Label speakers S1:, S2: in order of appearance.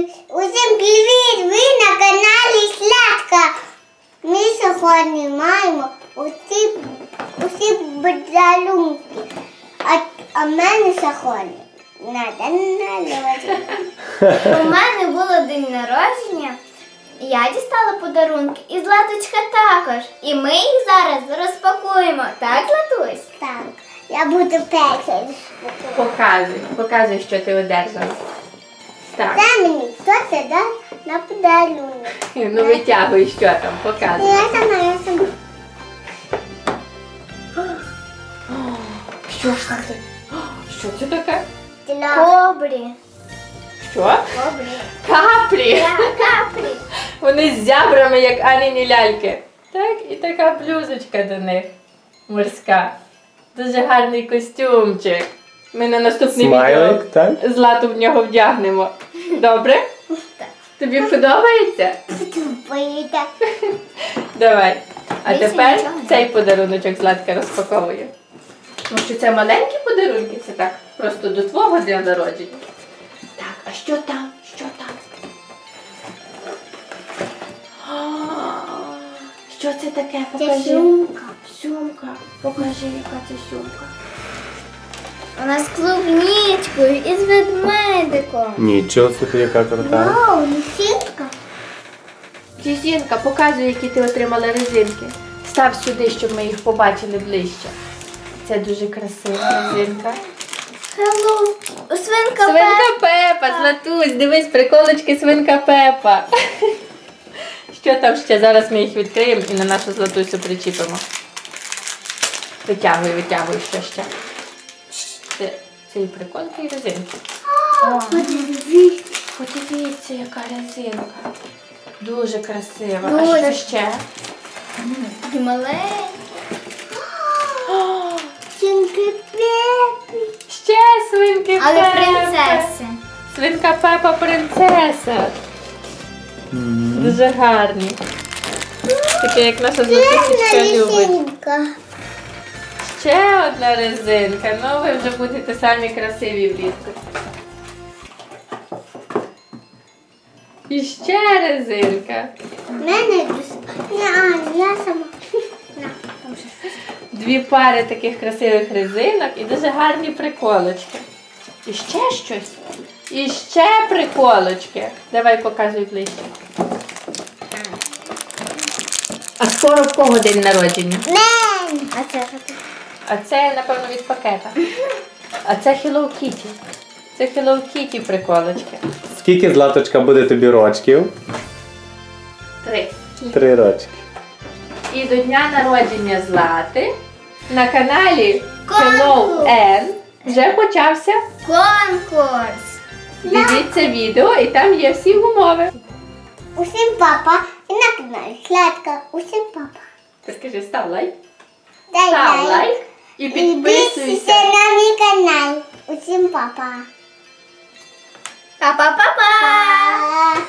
S1: Усім привіт! Ви на каналі Сладка. Ми сьогодні маємо усі подарунки. А в мене сьогодні на день народження.
S2: У мене було день народження, і я дістала подарунки, і Златочка також. І ми їх зараз розпакуємо. Так, Златусь?
S1: Так, я буду першою.
S3: Показуй, що ти одержала. Так.
S1: Дай мені, хто це дасть на подарунок.
S3: Ну витягуй, що там, показуй.
S1: Я сама.
S3: Що ж там ти? Що це таке?
S2: Кобрі.
S3: Що?
S2: Кобрі.
S3: Каплі!
S2: Каплі.
S3: Вони з зябрами, як Аніні ляльки. Так, і така блюзочка до них. Морська. Дуже гарний костюмчик. Ми на наступне відео Злату в нього вдягнемо. Добре?
S2: Так.
S3: Тобі подобається?
S1: Поїде.
S3: Давай. А
S2: Більше
S3: тепер
S2: нічого не
S3: цей подаруночок Златка розпаковує. Тому що це маленькі подарунки, це так, просто до твого дня народження. Так, а що там? Що там? Що це таке? Покажи.
S1: Це сумка.
S3: Сумка. Покажи, яка це сумка.
S2: Вона з клубничкою і з ведмедиком.
S4: Нічого собі, яка крута.
S1: Вау, лисичка.
S3: Резинка, показуй, які ти отримала резинки. Став сюди, щоб ми їх побачили ближче. Це дуже красива резинка.
S2: Hello. Свинка
S3: Свинка Пепа, Златусь, дивись, приколочки Свинка Пепа. Що там ще? Зараз ми їх відкриємо і на нашу Златусю причіпимо. Витягуй, що ще. Це і приколки, і резинки. Подивіться, яка резинка. Дуже красива. А
S2: Дуже.
S3: що ще?
S2: І маленька.
S1: Свинки Пепі.
S3: Ще свинки
S2: Але
S3: Пепа.
S2: принцеси.
S3: Свинка Пепа принцеса. Дуже гарні. Таке, як наша Златусечка любить.
S1: Лисичка.
S3: Ще одна резинка. Ну, ви вже будете самі красиві влітку. І ще резинка.
S1: В мене я сама.
S3: Дві пари таких красивих резинок і дуже гарні приколочки. І ще щось. І ще приколочки. Давай показуй ближче. А скоро в кого день народження?
S1: Мен.
S2: А це що таке?
S3: А це, напевно, від пакета. А це Hello Kitty. Це Hello Kitty приколочки.
S4: Скільки, Златочка, буде тобі рочків?
S3: 3.
S4: 3 рочки.
S3: І до дня народження Злати на каналі
S2: Конкурс.
S3: Hello N вже почався.
S2: Конкурс.
S3: Дивіться відео і там є всі умови.
S1: Усім папа. І на каналі Сладка. Усім папа.
S3: Ти скажи, став лайк.
S1: Дай
S3: Став лайк і
S1: І
S3: підписуйся.
S1: підписуйся на мій канал. Усім папа.
S2: Па-па-па-па.
S1: Па.